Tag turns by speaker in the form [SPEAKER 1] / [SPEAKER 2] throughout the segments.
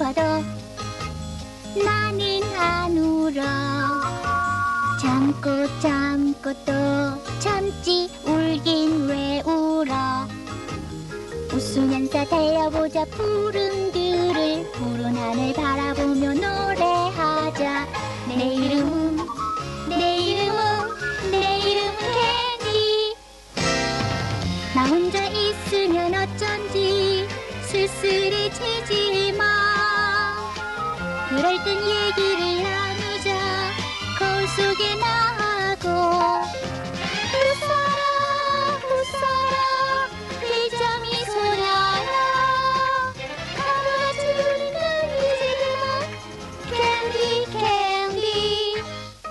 [SPEAKER 1] 싶어도 나는 안 울어. 참고 참고 또 참지 울긴 왜 울어. 웃으면서 달려보자 푸른들을. 푸른 하늘 바라보며 노래하자. 내 이름은 캔디. 나 혼자 있으면 어쩐지 쓸쓸해지지 마. 그럴 땐 얘기를 나누자. 거울 속에 나하고 웃어라 회점이 소녀야. 하루같이 우린 이제 그만 캔디 캔디.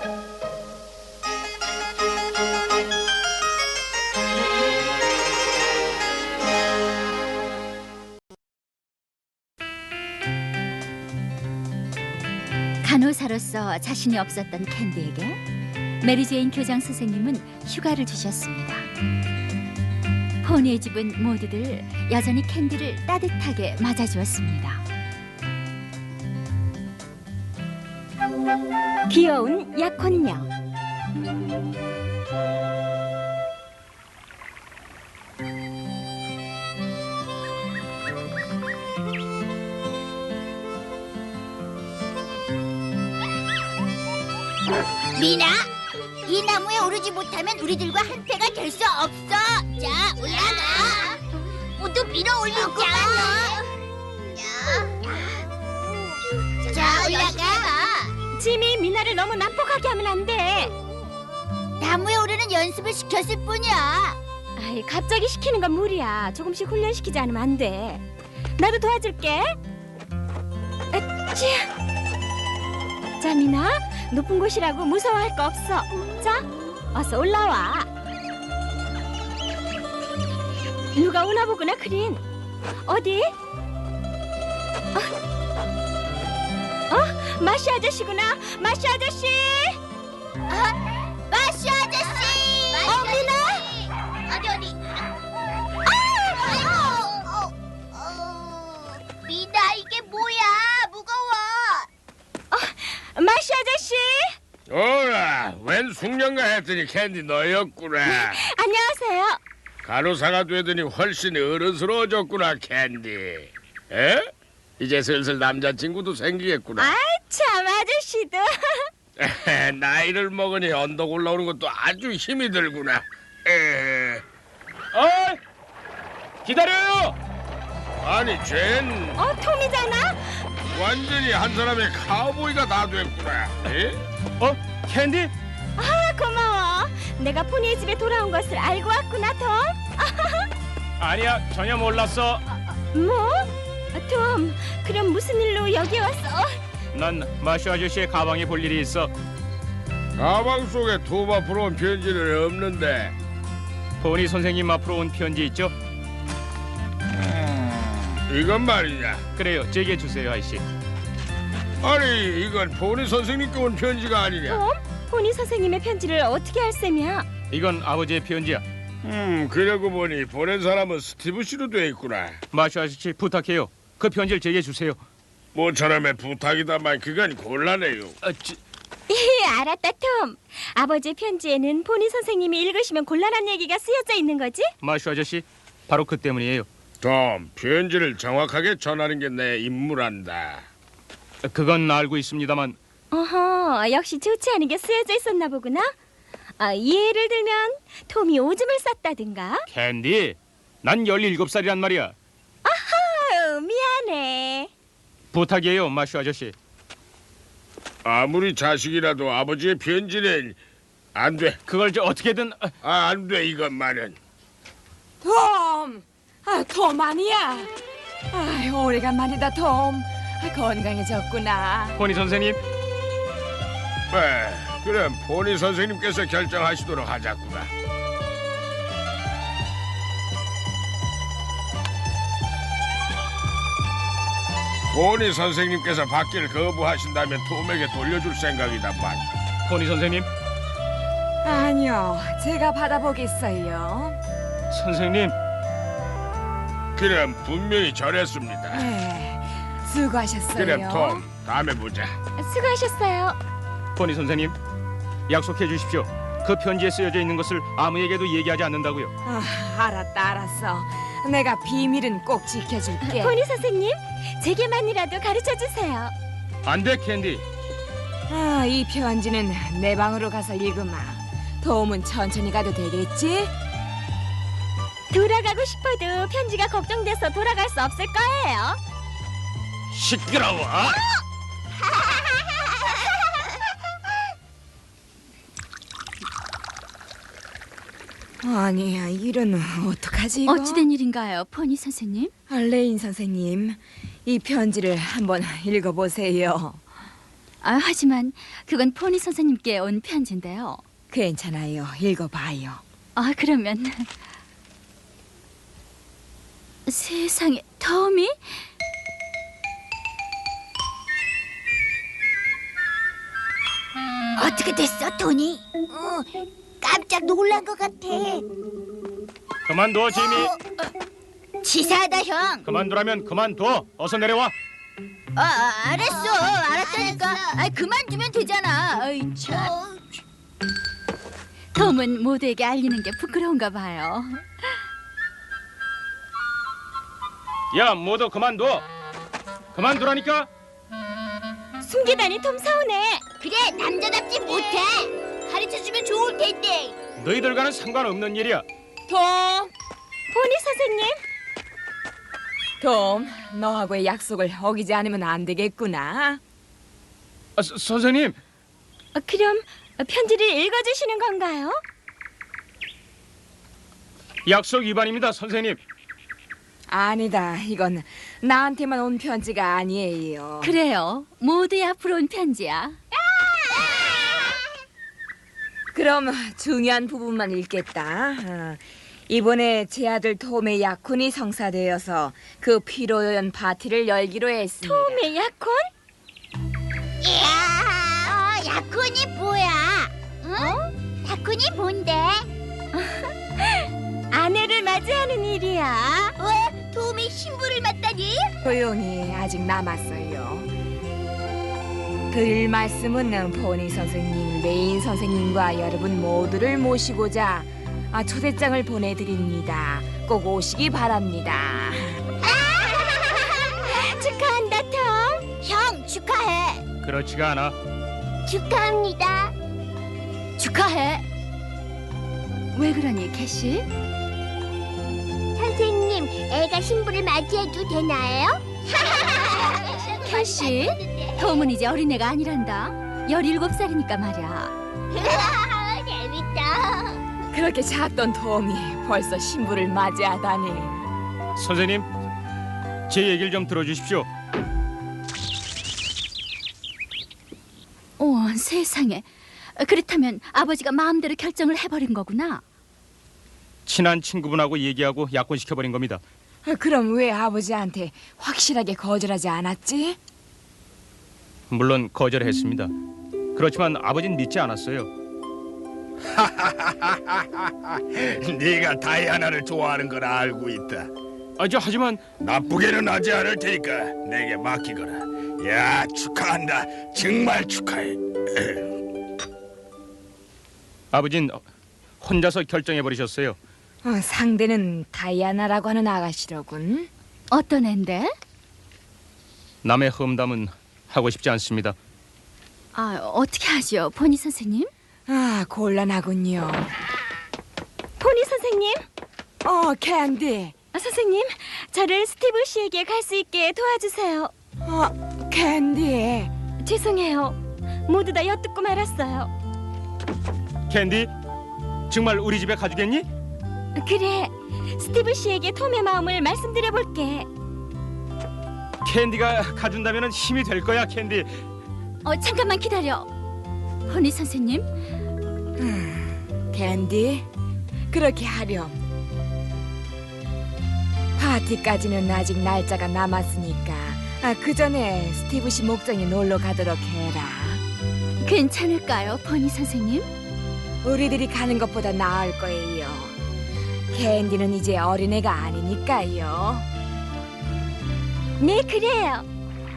[SPEAKER 2] 간호사로서 자신이 없었던 캔디에게 메리제인 교장 선생님은 휴가를 주셨습니다. 포니의 집은 모두들 여전히 캔디를 따뜻하게 맞아주었습니다. 귀여운 약혼녀.
[SPEAKER 1] 미나, 이 나무에 오르지 못하면 우리들과 한패가 될 수 없어. 자, 올라가. 모두 밀어 올리자. 자, 올라가.
[SPEAKER 2] 짐이 미나를 너무 난폭하게 하면 안 돼.
[SPEAKER 1] 나무에 오르는 연습을 시켰을 뿐이야.
[SPEAKER 2] 아이, 갑자기 시키는 건 무리야. 조금씩 훈련시키지 않으면 안 돼. 나도 도와줄게. 아치. 자, 미나, 높은 곳이라고 무서워할 거 없어. 자, 어서 올라와. 누가 오나 보구나, 크린. 어디? 마시 아저씨구나. 마시 아저씨.
[SPEAKER 1] 마시 아저씨.
[SPEAKER 2] 미나.
[SPEAKER 1] 어디. 미나, 이게 뭐야? 무거워.
[SPEAKER 2] 마시 아저씨.
[SPEAKER 3] 어라, 웬 숙련가 했더니 캔디 너였구나.
[SPEAKER 2] 안녕하세요.
[SPEAKER 3] 간호사가 되더니 훨씬 어른스러워졌구나, 캔디. 에? 이제 슬슬 남자친구도 생기겠구나.
[SPEAKER 2] 아이, 참, 아저씨도.
[SPEAKER 3] 나이를 먹으니 언덕 올라오는 것도 아주 힘이 들구나.
[SPEAKER 4] 기다려요.
[SPEAKER 3] 아니, 쟨
[SPEAKER 2] 톰이잖아.
[SPEAKER 3] 완전히 한 사람의 카우보이가 다 됐구나. 에?
[SPEAKER 4] 캔디?
[SPEAKER 2] 고마워. 내가 포니의 집에 돌아온 것을 알고 왔구나, 톰.
[SPEAKER 4] 아니야, 전혀 몰랐어.
[SPEAKER 2] 뭐? 톰, 그럼 무슨 일로 여기 왔어?
[SPEAKER 4] 난 마쇼 아저씨의 가방에 볼 일이 있어.
[SPEAKER 3] 가방 속에 톰 앞으로 온 편지는 없는데.
[SPEAKER 4] 포니 선생님 앞으로 온 편지 있죠?
[SPEAKER 3] 이건 말이냐?
[SPEAKER 4] 그래요, 제게 주세요, 아이씨.
[SPEAKER 3] 아니, 이건 포니 선생님께 온 편지가 아니냐?
[SPEAKER 2] 톰? 포니 선생님의 편지를 어떻게 할 셈이야?
[SPEAKER 4] 이건 아버지의 편지야.
[SPEAKER 3] 그러고 보니 보낸 사람은 스티브 씨로 돼 있구나.
[SPEAKER 4] 마쇼 아저씨 부탁해요. 그 편지를 제게 주세요.
[SPEAKER 3] 모처럼의 부탁이다만 그건 곤란해요.
[SPEAKER 2] 알았다, 톰. 아버지의 편지에는 포니 선생님이 읽으시면 곤란한 얘기가 쓰여져 있는 거지?
[SPEAKER 4] 마쇼 아저씨, 바로 그 때문이에요.
[SPEAKER 3] 톰, 편지를 정확하게 전하는 게 내 임무란다.
[SPEAKER 4] 그건 알고 있습니다만
[SPEAKER 2] 어허, 역시 좋지 않은 게 쓰여져 있었나 보구나. 예를 들면 톰이 오줌을 쌌다든가.
[SPEAKER 4] 캔디, 난 17살이란 말이야.
[SPEAKER 2] 아유, 미안해.
[SPEAKER 4] 부탁이에요, 마쇼 아저씨.
[SPEAKER 3] 아무리 자식이라도 아버지의 편지는 안 돼.
[SPEAKER 4] 그걸 어떻게든
[SPEAKER 3] 안 돼, 이것만은.
[SPEAKER 5] 톰! 톰 아니야. 오래간만이다, 톰. 건강해졌구나.
[SPEAKER 4] 포니 선생님.
[SPEAKER 3] 그럼 포니 선생님께서 결정하시도록 하자꾸나. 포니 선생님께서 받기를 거부하신다면 톰에게 돌려줄 생각이다만.
[SPEAKER 4] 포니 선생님.
[SPEAKER 5] 아니요, 제가 받아보겠어요.
[SPEAKER 4] 선생님.
[SPEAKER 3] 그럼 분명히 저랬습니다.
[SPEAKER 5] 네, 수고하셨어요.
[SPEAKER 3] 그래 톰, 다음에 보자.
[SPEAKER 2] 수고하셨어요.
[SPEAKER 4] 포니 선생님, 약속해 주십시오. 그 편지에 쓰여져 있는 것을 아무에게도 얘기하지 않는다고요.
[SPEAKER 5] 알았어. 내가 비밀은 꼭 지켜줄게.
[SPEAKER 2] 포니 선생님, 제게만이라도 가르쳐 주세요.
[SPEAKER 4] 안 돼, 캔디.
[SPEAKER 5] 이 편지는 내 방으로 가서 읽으마. 도움은 천천히 가도 되겠지?
[SPEAKER 2] 돌아가고 싶어도 편지가 걱정돼서 돌아갈 수 없을 거예요.
[SPEAKER 3] 시끄러워.
[SPEAKER 5] 아니야, 이런 어떡하지 이거?
[SPEAKER 2] 어찌된 일인가요, 포니 선생님?
[SPEAKER 5] 레인 선생님, 이 편지를 한번 읽어보세요.
[SPEAKER 2] 하지만 그건 포니 선생님께 온 편지인데요.
[SPEAKER 5] 괜찮아요, 읽어봐요.
[SPEAKER 2] 그러면 세상에, 톰이?
[SPEAKER 1] 어떻게 됐어, 토니? 깜짝 놀란 것 같아.
[SPEAKER 4] 그만둬, 지미.
[SPEAKER 1] 치사하다, 형.
[SPEAKER 4] 그만두라면 그만둬. 어서 내려와.
[SPEAKER 1] 알았다니까. 그만두면 되잖아. 참.
[SPEAKER 2] 톰은 모두에게 알리는 게 부끄러운가 봐요.
[SPEAKER 4] 야, 모두 그만둬. 그만두라니까.
[SPEAKER 2] 숨기다니 톰 서운해.
[SPEAKER 1] 그래, 남자답지 못해. 가르쳐주면 좋을 텐데.
[SPEAKER 4] 너희들과는 상관없는 일이야.
[SPEAKER 2] 포니 선생님,
[SPEAKER 5] 톰, 너하고의 약속을 어기지 않으면 안 되겠구나.
[SPEAKER 4] 선생님.
[SPEAKER 2] 그럼 편지를 읽어주시는 건가요?
[SPEAKER 4] 약속 위반입니다, 선생님.
[SPEAKER 5] 아니다, 이건 나한테만 온 편지가 아니에요.
[SPEAKER 2] 그래요, 모두의 앞으로 온 편지야.
[SPEAKER 5] 그럼 중요한 부분만 읽겠다. 이번에 제 아들 톰의 약혼이 성사되어서 그 피로연 파티를 열기로 했습니다.
[SPEAKER 2] 톰의 약혼?
[SPEAKER 1] 이야, 약혼이 뭐야? 응? 약혼이 뭔데?
[SPEAKER 2] 아내를 맞이하는 일이야.
[SPEAKER 1] 왜? 톰이 신부를 맞다니?
[SPEAKER 5] 조용히 아직 남았어요. 드릴 말씀은 포니 선생님, 레인 선생님과 여러분 모두를 모시고자 초대장을 보내드립니다. 꼭 오시기 바랍니다.
[SPEAKER 2] 축하한다, 톰.
[SPEAKER 1] 형, 축하해.
[SPEAKER 4] 그렇지가 않아.
[SPEAKER 1] 축하합니다.
[SPEAKER 2] 축하해. 왜 그러니, 캐시?
[SPEAKER 1] 선생님, 애가 신부를 맞이해도 되나요?
[SPEAKER 2] 캐시, 톰은 이제 어린애가 아니란다. 17살이니까 말이야.
[SPEAKER 1] 재밌다.
[SPEAKER 5] 그렇게 작던 톰이 벌써 신부를 맞이하다니.
[SPEAKER 4] 선생님, 제 얘기를 좀 들어주십시오.
[SPEAKER 2] 세상에. 그렇다면 아버지가 마음대로 결정을 해버린 거구나.
[SPEAKER 4] 친한 친구분하고 얘기하고 약혼시켜버린 겁니다.
[SPEAKER 5] 그럼 왜 아버지한테 확실하게 거절하지 않았지?
[SPEAKER 4] 물론 거절했습니다. 그렇지만 아버지는 믿지 않았어요.
[SPEAKER 3] 네가 다이아나를 좋아하는 걸 알고 있다.
[SPEAKER 4] 하지만
[SPEAKER 3] 나쁘게는 하지 않을 테니까 내게 맡기거라. 야, 축하한다. 정말 축하해.
[SPEAKER 4] 아버진 혼자서 결정해버리셨어요.
[SPEAKER 5] 상대는 다이아나라고 하는 아가씨로군.
[SPEAKER 2] 어떤 앤데?
[SPEAKER 4] 남의 험담은 하고 싶지 않습니다.
[SPEAKER 2] 어떻게 하죠, 포니 선생님?
[SPEAKER 5] 곤란하군요.
[SPEAKER 2] 포니 선생님?
[SPEAKER 5] 캔디.
[SPEAKER 2] 선생님, 저를 스티브 씨에게 갈 수 있게 도와주세요.
[SPEAKER 5] 캔디.
[SPEAKER 2] 죄송해요. 모두 다 엿듣고 말았어요.
[SPEAKER 4] 캔디, 정말 우리 집에 가주겠니?
[SPEAKER 2] 그래, 스티브 씨에게 톰의 마음을 말씀드려볼게.
[SPEAKER 4] 캔디가 가준다면 힘이 될 거야, 캔디.
[SPEAKER 2] 잠깐만 기다려. 포니 선생님,
[SPEAKER 5] 캔디, 그렇게 하렴. 파티까지는 아직 날짜가 남았으니까 그 전에 스티브 씨 목장에 놀러 가도록 해라.
[SPEAKER 2] 괜찮을까요, 포니 선생님?
[SPEAKER 5] 우리들이 가는 것보다 나을 거예요. 캔디는 이제 어린애가 아니니까요.
[SPEAKER 2] 네, 그래요.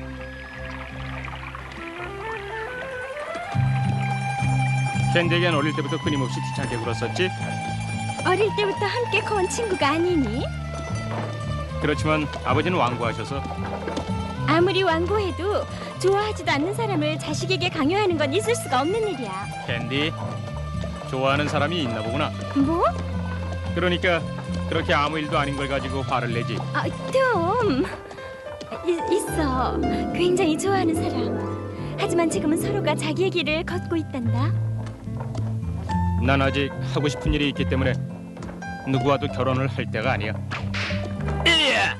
[SPEAKER 4] 캔디에겐 어릴 때부터 끊임없이 귀찮게 굴었었지.
[SPEAKER 2] 어릴 때부터 함께 커온 친구가 아니니?
[SPEAKER 4] 그렇지만 아버지는 완고하셔서.
[SPEAKER 2] 아무리 완고해도 좋아하지도 않는 사람을 자식에게 강요하는 건 있을 수가 없는 일이야.
[SPEAKER 4] 캔디, 좋아하는 사람이 있나 보구나.
[SPEAKER 2] 뭐?
[SPEAKER 4] 그러니까 그렇게 아무 일도 아닌 걸 가지고 화를 내지.
[SPEAKER 2] 톰. 있어. 굉장히 좋아하는 사람. 하지만 지금은 서로가 자기의 길을 걷고 있단다.
[SPEAKER 4] 난 아직 하고 싶은 일이 있기 때문에 누구와도 결혼을 할 때가 아니야. 이리야!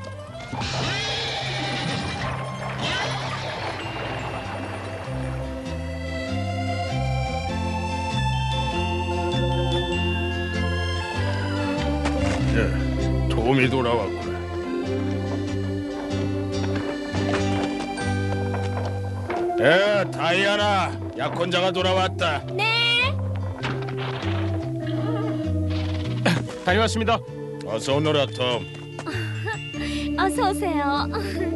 [SPEAKER 3] 톰이 돌아왔구나. 다이아나, 약혼자가 돌아왔다.
[SPEAKER 2] 네.
[SPEAKER 4] 다녀왔습니다.
[SPEAKER 3] 어서 오너라, 톰.
[SPEAKER 2] 어서 오세요.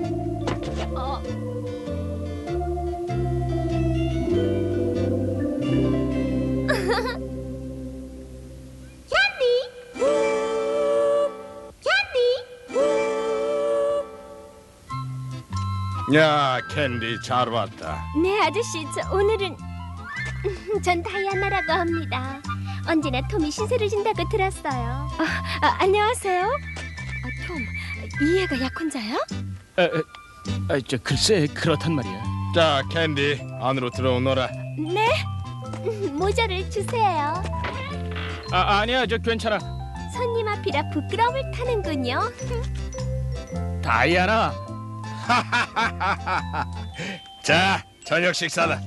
[SPEAKER 3] 야, 캔디 잘 왔다.
[SPEAKER 2] 네, 아저씨. 저 오늘은 전 다이아나라고 합니다. 언제나 톰이 신세를 진다고 들었어요. 안녕하세요. 톰, 이 애가 약혼자야?
[SPEAKER 4] 저 글쎄 그렇단 말이야.
[SPEAKER 3] 자, 캔디 안으로 들어오너라.
[SPEAKER 2] 네. 모자를 주세요.
[SPEAKER 4] 아니야, 저 괜찮아.
[SPEAKER 2] 손님 앞이라 부끄러움을 타는군요.
[SPEAKER 4] 다이아나.
[SPEAKER 3] 자, 저녁 식사다.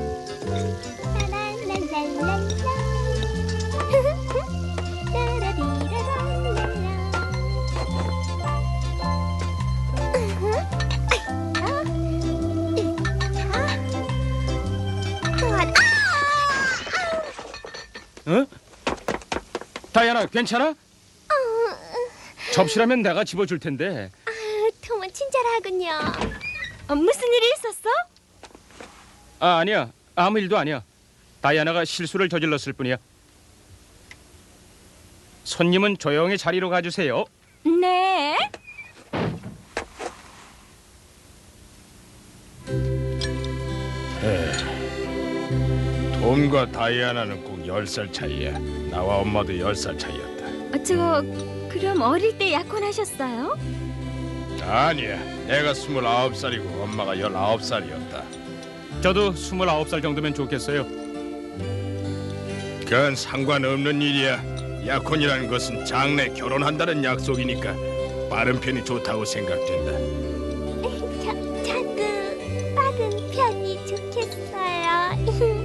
[SPEAKER 4] 어? 다이아나, 괜찮아? 접시라면 내가 집어줄 텐데.
[SPEAKER 2] 톰은 친절하군요. 무슨 일이 있었어?
[SPEAKER 4] 아니야, 아무 일도 아니야. 다이아나가 실수를 저질렀을 뿐이야. 손님은 조용히 자리로 가주세요.
[SPEAKER 2] 네.
[SPEAKER 3] 톰과 다이아나는 꼭 10살 차이야. 나와 엄마도 10살 차이였다.
[SPEAKER 2] 그럼 어릴 때 약혼하셨어요?
[SPEAKER 3] 아니야, 내가 29살이고 엄마가 19살이었다.
[SPEAKER 4] 저도 29살 정도면 좋겠어요.
[SPEAKER 3] 그건 상관없는 일이야. 약혼이라는 것은 장래 결혼한다는 약속이니까 빠른 편이 좋다고 생각된다.
[SPEAKER 2] 저도 빠른 편이 좋겠어요.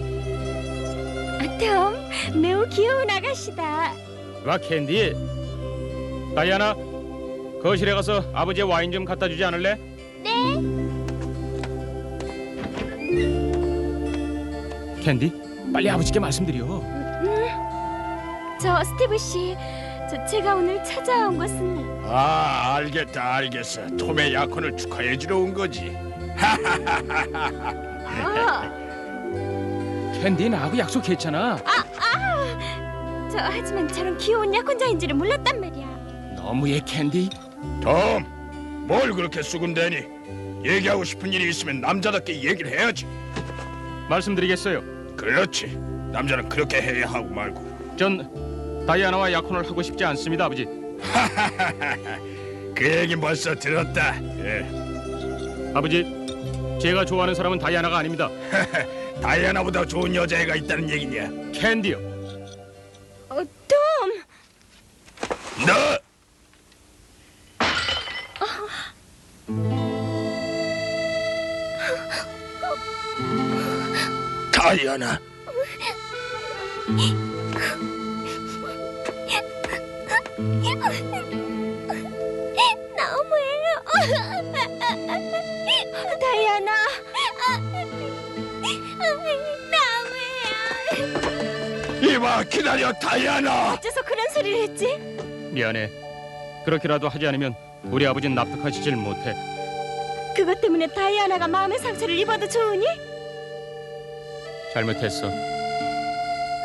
[SPEAKER 2] 톰, 매우 귀여운 아가씨다.
[SPEAKER 4] 와, 캔디. 다이아나, 거실에 가서 아버지의 와인 좀 갖다 주지 않을래?
[SPEAKER 2] 네.
[SPEAKER 4] 캔디, 빨리 아버지께 말씀드려.
[SPEAKER 2] 저 스티브 씨, 제가 오늘 찾아온 것은
[SPEAKER 3] 알겠다, 알겠어. 톰의 약혼을 축하해 주러 온 거지.
[SPEAKER 4] 캔디, 나하고 약속했잖아.
[SPEAKER 2] 하지만 저런 귀여운 약혼자인지를 몰랐단 말이야.
[SPEAKER 4] 너무해, 캔디.
[SPEAKER 3] 톰, 뭘 그렇게 수군대니? 얘기하고 싶은 일이 있으면 남자답게 얘기를 해야지.
[SPEAKER 4] 말씀드리겠어요.
[SPEAKER 3] 그렇지, 남자는 그렇게 해야 하고 말고.
[SPEAKER 4] 전 다이아나와 약혼을 하고 싶지 않습니다, 아버지.
[SPEAKER 3] 그 얘기 벌써 들었다.
[SPEAKER 4] 아버지, 제가 좋아하는 사람은 다이아나가 아닙니다.
[SPEAKER 3] 다이아나보다 좋은 여자애가 있다는 얘기냐?
[SPEAKER 4] 캔디요.
[SPEAKER 2] 톰!
[SPEAKER 3] 너! 다이아나.
[SPEAKER 2] 너무해요. 다이아나. 너무해요.
[SPEAKER 3] 이봐, 기다려, 다이아나.
[SPEAKER 2] 어째서 그런 소리를 했지?
[SPEAKER 4] 미안해. 그렇게라도 하지 않으면 우리 아버지는 납득하시질 못해.
[SPEAKER 2] 그것 때문에 다이아나가 마음의 상처를 입어도 좋으니?
[SPEAKER 4] 잘못했어.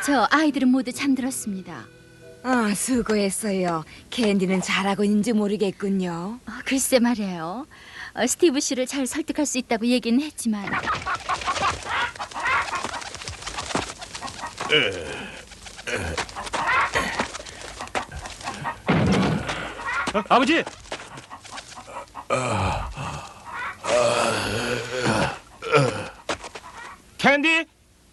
[SPEAKER 6] 저 아이들은 모두 잠들었습니다.
[SPEAKER 5] 아, 수고했어요. 캔디는 잘하고 있는지 모르겠군요.
[SPEAKER 6] 글쎄 말이에요. 스티브 씨를 잘 설득할 수 있다고 얘기는 했지만
[SPEAKER 4] 아버지! 캔디!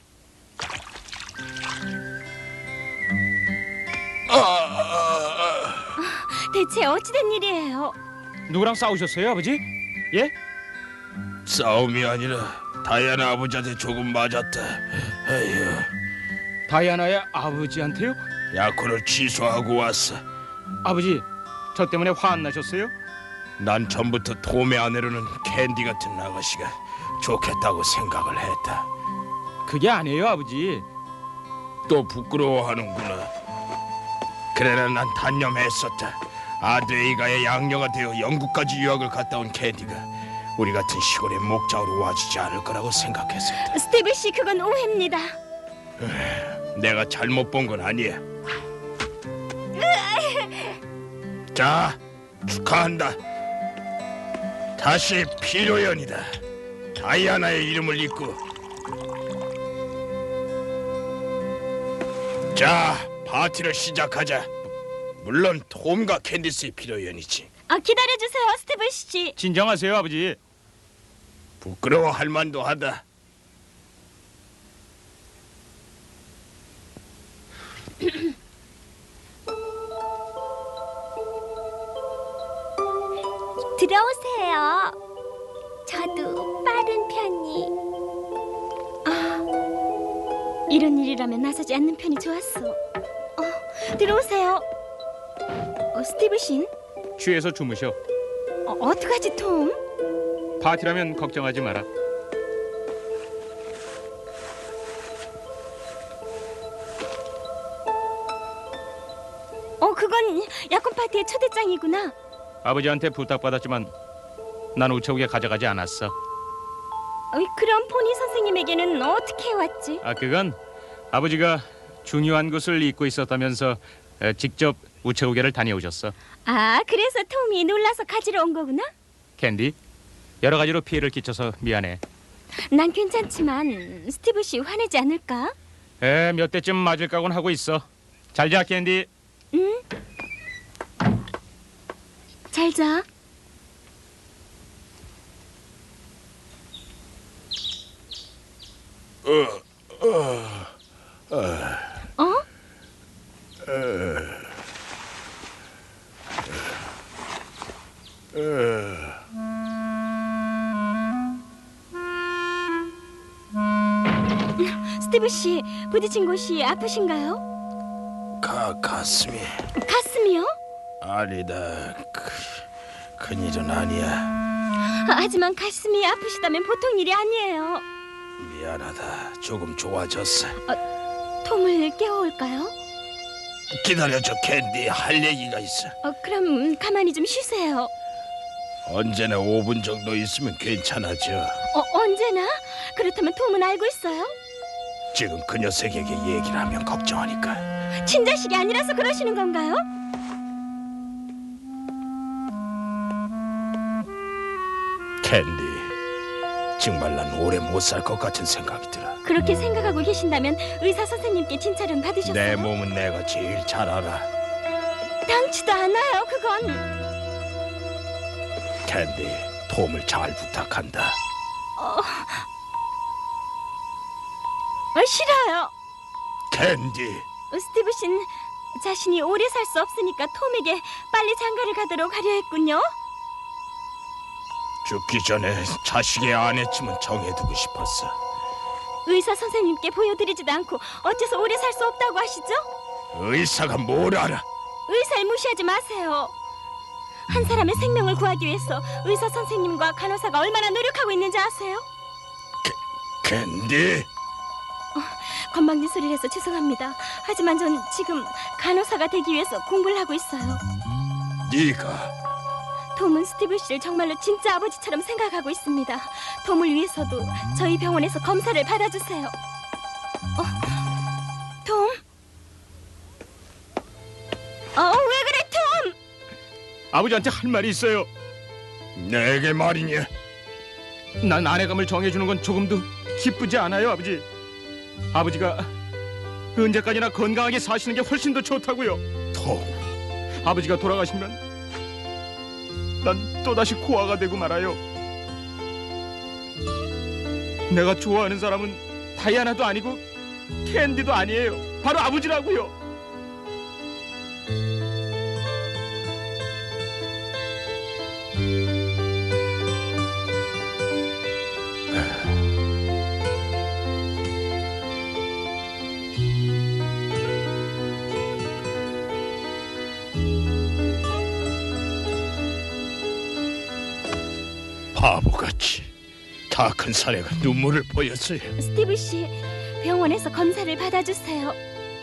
[SPEAKER 2] 대체 어찌된 일이에요?
[SPEAKER 4] 누구랑 싸우셨어요, 아버지? 예?
[SPEAKER 3] 싸움이 아니라 다이아나 아버지한테 조금 맞았다. 에휴,
[SPEAKER 4] 다이아나의 아버지한테요?
[SPEAKER 3] 약혼을 취소하고 왔어.
[SPEAKER 4] 아버지, 저 때문에 화 안 나셨어요?
[SPEAKER 3] 난 전부터 톰의 아내로는 캔디 같은 아가씨가 좋겠다고 생각을 했다.
[SPEAKER 4] 그게 아니에요, 아버지.
[SPEAKER 3] 또 부끄러워하는구나. 그래나 난 단념했었다. 아드에이가의 양녀가 되어 영국까지 유학을 갔다 온 캔디가 우리 같은 시골의 목자로 와주지 않을 거라고 생각했었다.
[SPEAKER 2] 스티브 씨, 그건 오해입니다.
[SPEAKER 3] 내가 잘못 본 건 아니야. 자, 축하한다. 다시 피로연이다. 다이아나의 이름을 잇고. 자, 파티를 시작하자. 물론 톰과 캔디스의 피로연이지.
[SPEAKER 2] 기다려주세요, 스티브 씨.
[SPEAKER 4] 진정하세요, 아버지.
[SPEAKER 3] 부끄러워할 만도 하다.
[SPEAKER 2] 들어오세요. 저도 빠른 편이. 이런 일이라면 나서지 않는 편이 좋았어. 들어오세요. 스티브 씨,
[SPEAKER 4] 취해서 주무셔.
[SPEAKER 2] 어떡하지, 톰?
[SPEAKER 4] 파티라면 걱정하지 마라.
[SPEAKER 2] 그건 약혼 파티의 초대장이구나.
[SPEAKER 4] 아버지한테 부탁받았지만 난 우체국에 가져가지 않았어.
[SPEAKER 2] 그럼 포니 선생님에게는 어떻게 왔지?
[SPEAKER 4] 그건 아버지가 중요한 것을 잊고 있었다면서 직접 우체국에를 다녀오셨어.
[SPEAKER 2] 그래서 톰이 놀라서 가지러 온 거구나?
[SPEAKER 4] 캔디, 여러 가지로 피해를 끼쳐서 미안해.
[SPEAKER 2] 난 괜찮지만 스티브 씨 화내지 않을까?
[SPEAKER 4] 몇 대쯤 맞을 각오는 하고 있어. 잘 자, 캔디.
[SPEAKER 2] 응? 잘 자. 스티브 씨, 부딪힌 곳이 아프신가요?
[SPEAKER 3] 가슴이.
[SPEAKER 2] 가슴이요?
[SPEAKER 3] 아니다. 큰일은 아니야.
[SPEAKER 2] 하지만 가슴이 아프시다면 보통 일이 아니에요.
[SPEAKER 3] 미안하다. 조금 좋아졌어.
[SPEAKER 2] 톰을 깨워올까요?
[SPEAKER 3] 기다려줘, 캔디. 할 얘기가 있어.
[SPEAKER 2] 그럼 가만히 좀 쉬세요.
[SPEAKER 3] 언제나 5분 정도 있으면 괜찮아져.
[SPEAKER 2] 언제나? 그렇다면 톰은 알고 있어요?
[SPEAKER 3] 지금 그 녀석에게 얘기를 하면 걱정하니까.
[SPEAKER 2] 친자식이 아니라서 그러시는 건가요?
[SPEAKER 3] 캔디, 정말 난 오래 못 살 것 같은 생각이 들어.
[SPEAKER 2] 그렇게 생각하고 계신다면 의사 선생님께 진찰은 받으셨어요?
[SPEAKER 3] 내 몸은 내가 제일 잘 알아.
[SPEAKER 2] 당치도 않아요, 그건.
[SPEAKER 3] 캔디, 톰을 잘 부탁한다.
[SPEAKER 2] 싫어요.
[SPEAKER 3] 캔디,
[SPEAKER 2] 스티브 씨는 자신이 오래 살 수 없으니까 톰에게 빨리 장가를 가도록 하려 했군요.
[SPEAKER 3] 죽기 전에 자식의 아내쯤은 정해두고 싶었어.
[SPEAKER 2] 의사 선생님께 보여드리지도 않고 어째서 오래 살 수 없다고 하시죠?
[SPEAKER 3] 의사가 뭘 알아?
[SPEAKER 2] 의사를 무시하지 마세요. 한 사람의 생명을 구하기 위해서 의사 선생님과 간호사가 얼마나 노력하고 있는지 아세요?
[SPEAKER 3] 캔디,
[SPEAKER 2] 건방진 소리를 해서 죄송합니다. 하지만 전 지금 간호사가 되기 위해서 공부를 하고 있어요.
[SPEAKER 3] 네가
[SPEAKER 2] 톰은 스티브 씨를 정말로 진짜 아버지처럼 생각하고 있습니다. 톰을 위해서도 저희 병원에서 검사를 받아주세요. 톰?
[SPEAKER 4] 아버지한테 할 말이 있어요.
[SPEAKER 3] 내게 말이냐?
[SPEAKER 4] 난 아내감을 정해주는 건 조금도 기쁘지 않아요, 아버지. 아버지가 언제까지나 건강하게 사시는 게 훨씬 더 좋다고요.
[SPEAKER 3] 톰,
[SPEAKER 4] 아버지가 돌아가시면 난 또다시 고아가 되고 말아요. 내가 좋아하는 사람은 다이아나도 아니고 캔디도 아니에요. 바로 아버지라고요.
[SPEAKER 3] 바보같이 다 큰 사내가 눈물을 보였어요.
[SPEAKER 2] 스티브 씨, 병원에서 검사를 받아주세요.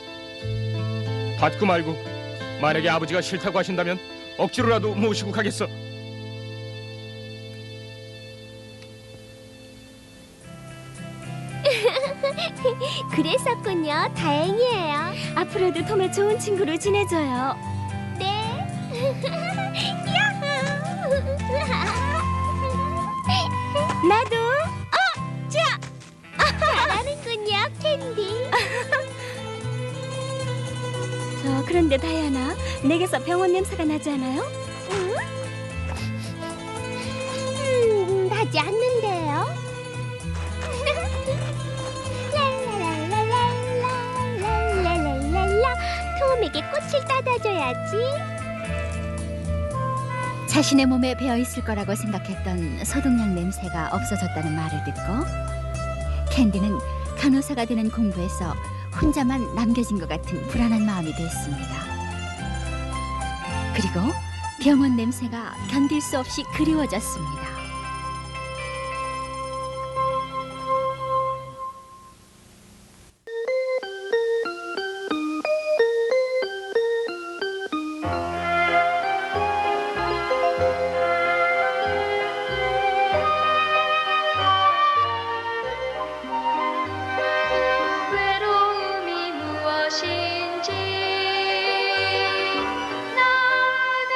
[SPEAKER 4] 받고 말고 만약에 아버지가 싫다고 하신다면 억지로라도 모시고 가겠어.
[SPEAKER 2] 그랬었군요. 다행이에요. 앞으로도 톰의 좋은 친구로 지내줘요. 네. 나도. 자. 잘하는군요, 캔디. 그런데 다이아나, 내게서 병원 냄새가 나지 않아요? 나지 않는데요. 랄랄랄랄랄랄랄랄라. 톰에게 꽃을 따다줘야지.
[SPEAKER 6] 자신의 몸에 배어 있을 거라고 생각했던 소독약 냄새가 없어졌다는 말을 듣고 캔디는 간호사가 되는 공부에서 혼자만 남겨진 것 같은 불안한 마음이 됐습니다. 그리고 병원 냄새가 견딜 수 없이 그리워졌습니다.
[SPEAKER 7] 외로움이 무엇인지 나는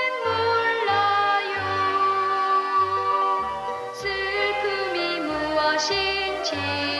[SPEAKER 7] 몰라요. 슬픔이 무엇인지